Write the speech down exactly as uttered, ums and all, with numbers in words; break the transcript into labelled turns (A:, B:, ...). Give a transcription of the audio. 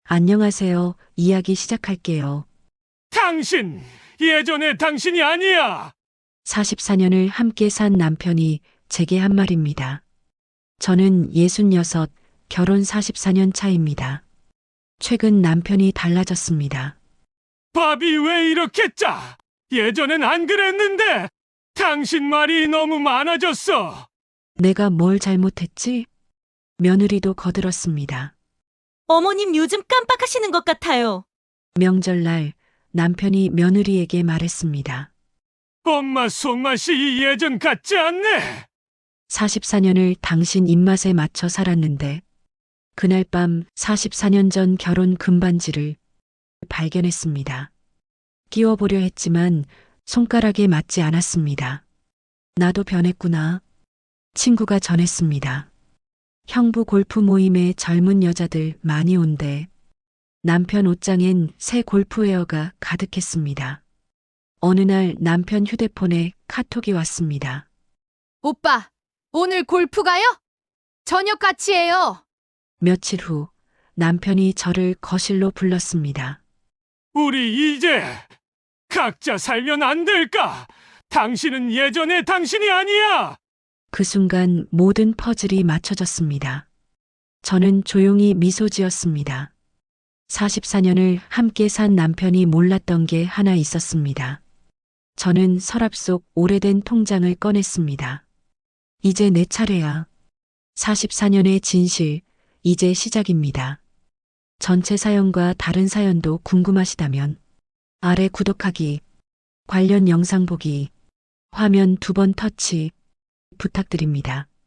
A: 안녕하세요. 이야기 시작할게요.
B: 당신! 예전의 당신이 아니야!
A: 사십사 년을 함께 산 남편이 제게 한 말입니다. 저는 예순여섯, 결혼 사십사 년 차입니다. 최근 남편이 달라졌습니다.
B: 밥이 왜 이렇게 짜? 예전엔 안 그랬는데! 당신 말이 너무 많아졌어!
A: 내가 뭘 잘못했지? 며느리도 거들었습니다.
C: 어머님 요즘 깜빡하시는 것 같아요.
A: 명절날 남편이 며느리에게 말했습니다.
B: 엄마 손맛이 예전 같지 않네!
A: 사십사 년을 당신 입맛에 맞춰 살았는데 그날 밤 사십사 년 전 결혼 금반지를 발견했습니다. 끼워보려 했지만 손가락에 맞지 않았습니다. 나도 변했구나. 친구가 전했습니다. 형부 골프 모임에 젊은 여자들 많이 온대. 남편 옷장엔 새 골프웨어가 가득했습니다. 어느 날 남편 휴대폰에 카톡이 왔습니다.
D: 오빠, 오늘 골프 가요? 저녁 같이 해요.
A: 며칠 후 남편이 저를 거실로 불렀습니다.
B: 우리 이제 각자 살면 안 될까? 당신은 예전의 당신이 아니야!
A: 그 순간 모든 퍼즐이 맞춰졌습니다. 저는 조용히 미소 지었습니다. 사십사 년을 함께 산 남편이 몰랐던 게 하나 있었습니다. 저는 서랍 속 오래된 통장을 꺼냈습니다. 이제 내 차례야. 사십사 년의 진실, 이제 시작입니다. 전체 사연과 다른 사연도 궁금하시다면 아래 구독하기, 관련 영상 보기, 화면 두 번 터치 부탁드립니다.